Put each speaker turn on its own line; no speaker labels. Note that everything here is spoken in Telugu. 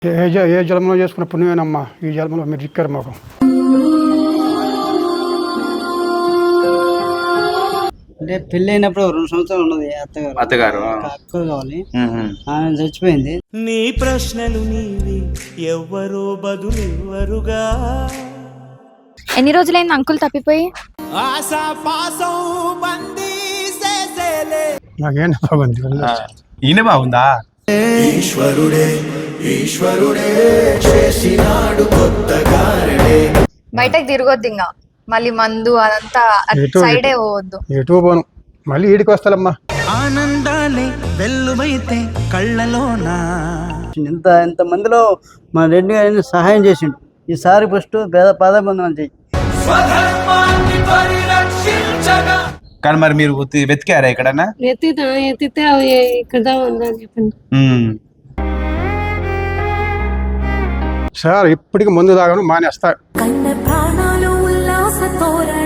ఏ జన్మలో చేసుకున్న పుణ్యమేనమ్మా, ఈ జన్మలో మీరు ఇక్కరు మాకు.
అంటే పెళ్లి అయినప్పుడు 2 సంవత్సరాలు ఉన్నది అత్తగారు అక్క కావాలి, ఆమె చచ్చిపోయింది.
నీ ప్రశ్నలు నీవి ఎవ్వరో బదులెవ్వరుగా.
ఎన్ని రోజులైంది అంకుల్ తప్పిపోయి?
ఆశా పాసం బందీ చేసేలే.
నాకేం బాగుంది.
ఈయన బాగుందా?
ఈశ్వరుడే చేసినాడు కొత్తగారడే.
బయటకు తిరగొద్దు ఇంకా, మళ్ళీ మందు అదంతా సైడే పోవద్దు.
ఎటు పోను, మళ్ళీ ఈడికి వస్తాలమ్మా.
ఆనందాలే వెల్లువైతే కళ్ళలోనా.
ఇంత మందిలో మా రెడ్డి గారిని సహాయం చేసిండు. ఈసారి ఫస్ట్ పాదబంధనం చెయ్యి.
కానీ మరి మీరు వెతికారా ఎక్కడన్నా?
ఎత్తితే అవి ఇక్కడ ఉందని చెప్పండి
సార్. ఇప్పటికి మందు తాగను మానేస్తా.
కన్న ప్రాణాలు ఉల్లాస తోర